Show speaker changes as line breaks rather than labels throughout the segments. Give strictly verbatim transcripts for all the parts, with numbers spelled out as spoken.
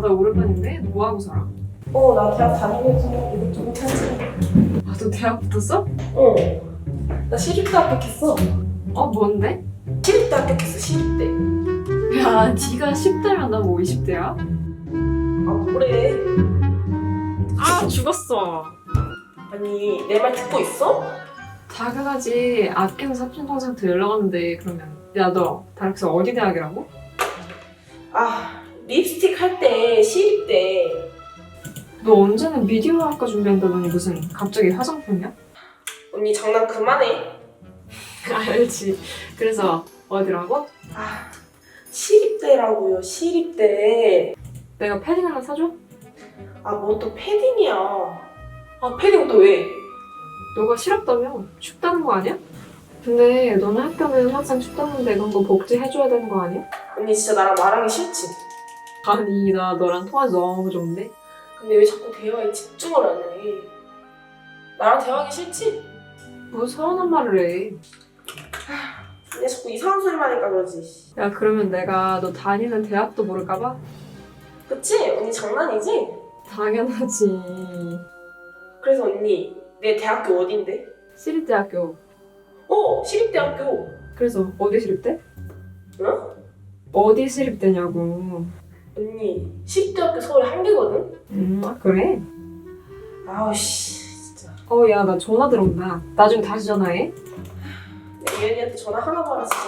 나 오랜만인데? 뭐 하고 살아?
어, 나 대학 다니면서 이것저것 하지.
아, 너 대학 붙었어?
어. 나 시립대 합격했어.
어, 뭔데?
시립대 합격했어, 시립대.
야, 네가 십 대면 나 뭐 이십 대야?
아, 뭐래.
아, 죽었어.
아니, 내 말 듣고 있어?
당연하지. 아끼는 사촌 동생한테 연락 왔는데 그러면 야, 너 다락서 어디 대학이라고?
아, 립스틱 할 때 시립대.
너 언제는 미디어 학과 준비한다더니 무슨 갑자기 화장품이야?
언니 장난 그만해.
알지. 그래서 어디라고?
아, 시립대라고요, 시립대.
내가 패딩 하나 사줘?
아, 뭔 또 패딩이야. 아, 패딩 또 왜?
너가 싫었다며 춥다는 거 아니야? 근데 너네 학교는 항상 춥다는데 그런 거 복지해줘야 되는 거 아니야?
언니 진짜 나랑 말하기 싫지?
아니, 나 너랑 통화 너무 좋은데?
근데 왜 자꾸 대화에 집중을 안 해? 나랑 대화하기 싫지?
뭐 서운한 말을 해.
언니 자꾸 이상한 소리만 하니까 그러지.
야, 그러면 내가 너 다니는 대학도 모를까봐?
그치? 언니 장난이지?
당연하지.
그래서 언니 내 대학교 어딘데?
시립대학교.
어! 시립대학교.
그래서 어디 시립대?
응?
어디 시립대냐고.
언니 시립대학교 서울에 한 개거든?
음, 아, 그래?
아우 씨 진짜.
어, 야, 나 전화 들어온다. 나중에 다시 전화해.
내 예은이한테 전화 하나 봐라 진짜.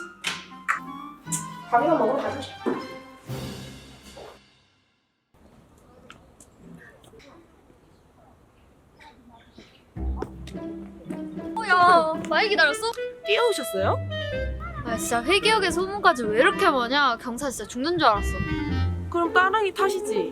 밥이나 먹으러 가자.
야, 많이 기다렸어?
뛰어오셨어요?
아 진짜 회계역의 소문까지 왜 이렇게 많냐? 경사 진짜 죽는 줄 알았어.
그럼 따릉이 타시지.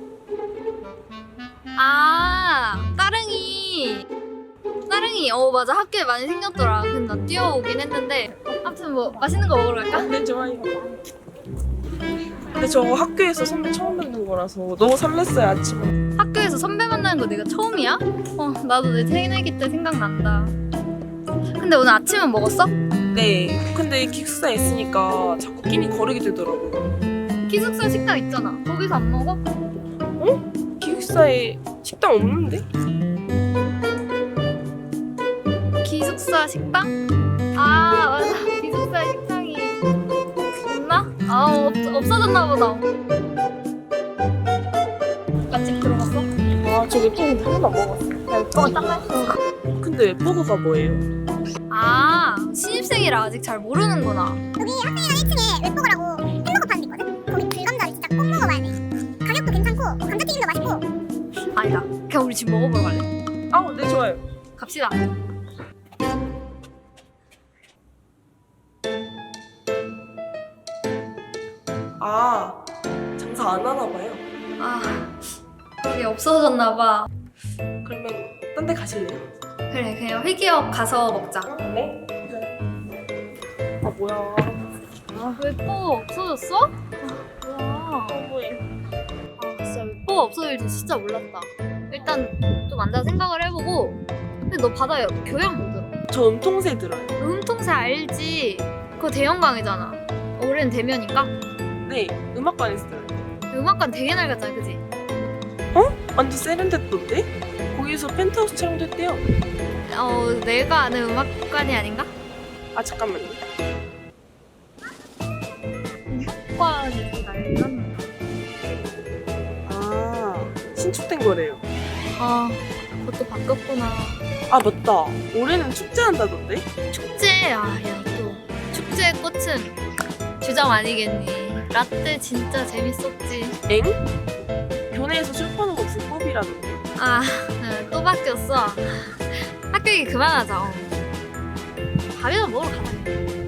아, 따릉이. 따릉이, 어 맞아, 학교에 많이 생겼더라. 근데 나 뛰어오긴 했는데. 아무튼 뭐 맛있는 거 먹으러 갈까?
네 좋아요. 근데 저 학교에서 선배 처음 뵙는 거라서 너무 설렜어요 아침에.
학교에서 선배 만나는 거 내가 처음이야? 어, 나도 내 새내기 때 생각난다. 근데 오늘 아침은 먹었어?
네. 근데 기숙사에 있으니까 자꾸 끼니 거르게 되더라고요.
기숙사 식당 있잖아. 거기서 안 먹어?
기숙사에 식당 없는데?
기숙사 식당? 아 맞아, 기숙사 식당이 있나? 아 없, 없어졌나 보다. 맛집 들어갔어?
아, 저 웹툰인데 한 번도 안 먹어봤어.
야 오빠가 딱 맛있어.
근데 웹버거가 뭐예요?
아 신입생이라 아직 잘 모르는구나.
여기 학생회관 일 층에 웹버거라고 햄버거 파는 데 있거든? 거기 불감자를 진짜 꼭 먹어봐야 돼. 가격도 괜찮고 감자튀김도 맛있고.
아니다, 그냥 우리 집 먹어보러 갈래?
아, 네 좋아요.
갑시다.
아, 장사 안 하나 봐요.
아 거기 없어졌나 봐.
그러면 딴 데 가실래요?
그래, 그냥 회기역 가서 먹자.
네. 아 뭐야?
웹버거 없어졌어? 아 뭐야.
너무해.
아 진짜 웹버거 없어질 줄 진짜 몰랐다. 일단 좀 앉아 생각을 해보고. 근데 너 바다 교양 뭐 들어?
저 음통새 들어요.
음통새 알지? 그거 대형광이잖아. 올해는 대면인가?
네, 음악관에서 들어요.
음악관 되게 낡았잖아, 그지?
완전 세련됐던데? 거기서 펜트하우스 촬영도 했대요.
어, 내가 아는 음악관이 아닌가?
아 잠깐만요.
음악관이 되게 낡았나?
아, 신축된 거래요.
아, 그것도 바뀌었구나.
아 맞다. 올해는 축제한다던데?
축제, 아, 야, 또 축제의 꽃은 주점 아니겠니? 라떼 진짜 재밌었지.
엥? 교내에서 술 파는 거 불법이라던데.
아, 응, 또 바뀌었어. 학교 얘기 그만하자. 어. 밥이나 먹으러 가자.